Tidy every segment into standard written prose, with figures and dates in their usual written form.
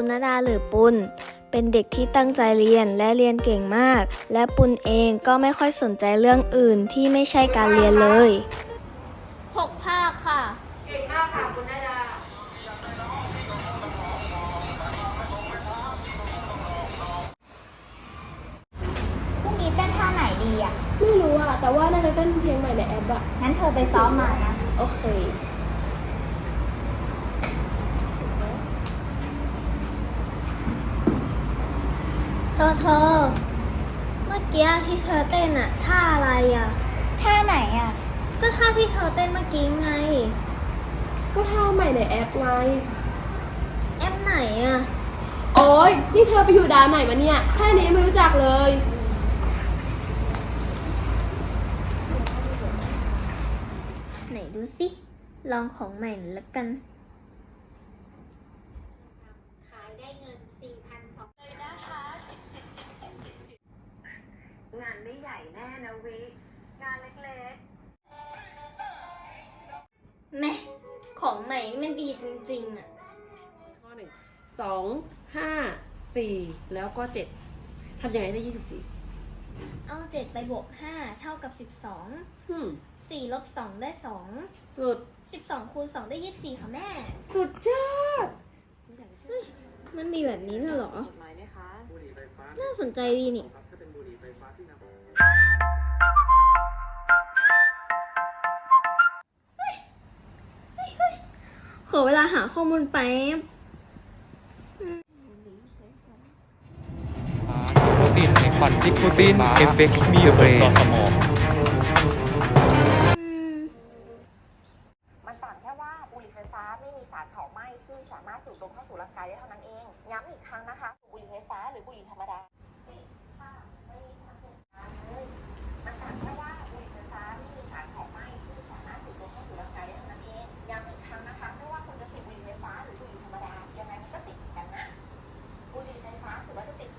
ณณดาหรือปุณเป็นเด็กที่ตั้งใจเรียนและเรียนเก่งมากและปุณเองก็ไม่ค่อยสนใจเรื่องอื่นที่ไม่ใช่การเรียนเลย 6 ภาคค่ะเก่งมากค่ะคุณณดาพรุ่งนี้เต้นท่าไหนดีอ่ะไม่รู้อ่ะแต่ว่าน่าจะเต้นเพลงใหม่ในแอปอ่ะงั้นเธอไปซ้อมมานะโอเคเธอเมื่อกี้ที่เธอเต้นอ่ะท่าอะไรอ่ะท่าไหนอ่ะก็ท่าที่เธอเต้นเมื่อกี้ไงก็ท่าใหม่ในแอปไงแอปไหนอ่ะโอ๊ยนี่เธอไปอยู่ดาวไหนมาเนี่ยแค่นี้ไม่รู้จักเลยไหนดูสิลองของใหม่หน่อยละกันขายได้เงิน 4,200 เลยนะคะงานไม่ใหญ่แน่นะวิงานเล็กแม่ของใหม่นี่มันดีจริงๆอ่ะข้อ1 2 5 4แล้วก็7ทำยังไงได้24 เอา7ไปบวก5เท่ากับ12 4ลบ2ได้2 สุด 12คูณ2ได้24ค่ะแม่สุดยอดมันมีแบบนี้น่ะเหรอน่าสนใจดีนี่ขอเวลาหาข้อมูลแป๊บโปรตีนในควันนิโคตินเอฟเฟกต์มีเบรนต่อสมองมันต่างแค่ว่าบุหรี่ไฟฟ้าไม่มีสารเผาไหม้ที่สามารถสูดดมเข้าสู่ร่างกายได้เท่านั้นเองย้ำอีกครั้งนะคะบุหรี่ไฟฟ้าหรือบุหรี่ธรรมดามันต่างแค่ว่าบุหรี่ไฟฟ้าไม่มีสารเผาไหม้ที่สามารถสูดดมเข้าสู่ร่างกายได้เท่านั้นเองย้ำอีกครั้งนะคะไม่ว่าคุณจะสูบบุหรี่ไฟฟ้าหรือบุหรี่ธรรมดายังไงมันก็ติดกันนะบุหรี่ไฟฟ้าถือว่าจะติด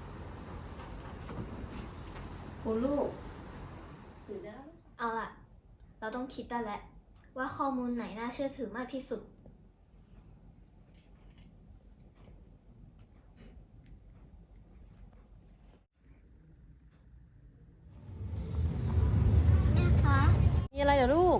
คุณลูกเอาล่ะเราต้องคิดได้แล้วว่าข้อมูลไหนน่าเชื่อถือมากที่สุดแม่คะมีอะไรเหรอลูก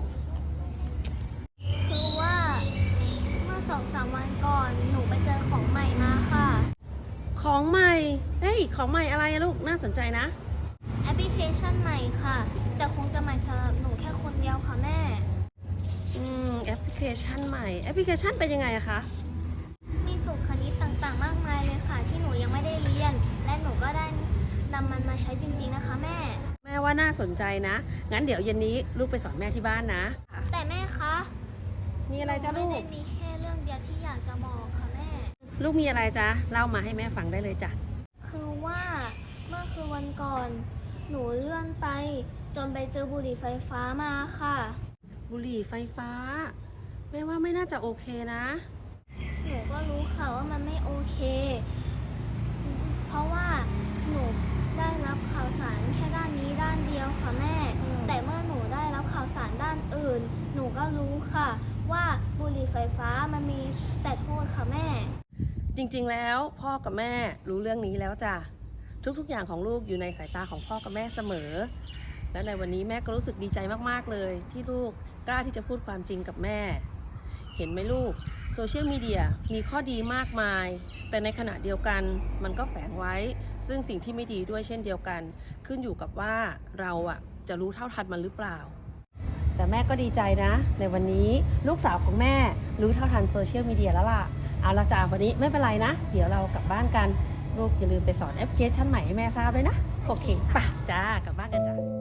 คือว่าเมื่อ2-3 วันก่อนหนูไปเจอของใหม่มาค่ะของใหม่เฮ้ยของใหม่อะไรอะลูกน่าสนใจนะแอปพลิเคชันใหม่ค่ะแต่คงจะใหม่สำหรับหนูแค่คนเดียวค่ะแม่แอปพลิเคชันใหม่แอปพลิเคชันเป็นยังไงอะคะมีสูตรคณิตต่างๆมากมายเลยค่ะที่หนูยังไม่ได้เรียนและหนูก็ได้นำมันมาใช้จริงๆนะคะแม่ว่าน่าสนใจนะงั้นเดี๋ยวเย็นนี้ลูกไปสอนแม่ที่บ้านนะแต่แม่คะมีอะไรจ้ะลูกไม่ได้มีแค่เรื่องเดียวที่อยากจะบอกค่ะแม่ลูกมีอะไรจ๊ะเล่ามาให้แม่ฟังได้เลยจ้ะคือว่าเมื่อคืนวันก่อนหนูเลื่อนไปจนไปเจอบุหรี่ไฟฟ้ามาค่ะบุหรี่ไฟฟ้าแม่ว่าไม่น่าจะโอเคนะหนูก็รู้ค่ะว่ามันไม่โอเคเพราะว่าหนูได้รับข่าวสารแค่ด้านนี้ด้านเดียวค่ะแม่แต่เมื่อหนูได้รับข่าวสารด้านอื่นหนูก็รู้ค่ะว่าบุหรี่ไฟฟ้ามันมีแต่โทษค่ะแม่จริงๆแล้วพ่อกับแม่รู้เรื่องนี้แล้วจ้ะทุกๆอย่างของลูกอยู่ในสายตาของพ่อกับแม่เสมอและในวันนี้แม่ก็รู้สึกดีใจมากๆเลยที่ลูกกล้าที่จะพูดความจริงกับแม่เห็นไหมลูกโซเชียลมีเดียมีข้อดีมากมายแต่ในขณะเดียวกันมันก็แฝงไว้ซึ่งสิ่งที่ไม่ดีด้วยเช่นเดียวกันขึ้นอยู่กับว่าเราจะรู้เท่าทันมันหรือเปล่าแต่แม่ก็ดีใจนะในวันนี้ลูกสาวของแม่รู้เท่าทันโซเชียลมีเดียแล้วล่ะเอาละจ้าวันนี้ไม่เป็นไรนะเดี๋ยวเรากลับบ้านกันลูกอย่าลืมไปสอนแอปพลิเคชันใหม่ให้แม่ทราบด้วยนะโอเคป่ะจ้ากลับบ้านกันจ้า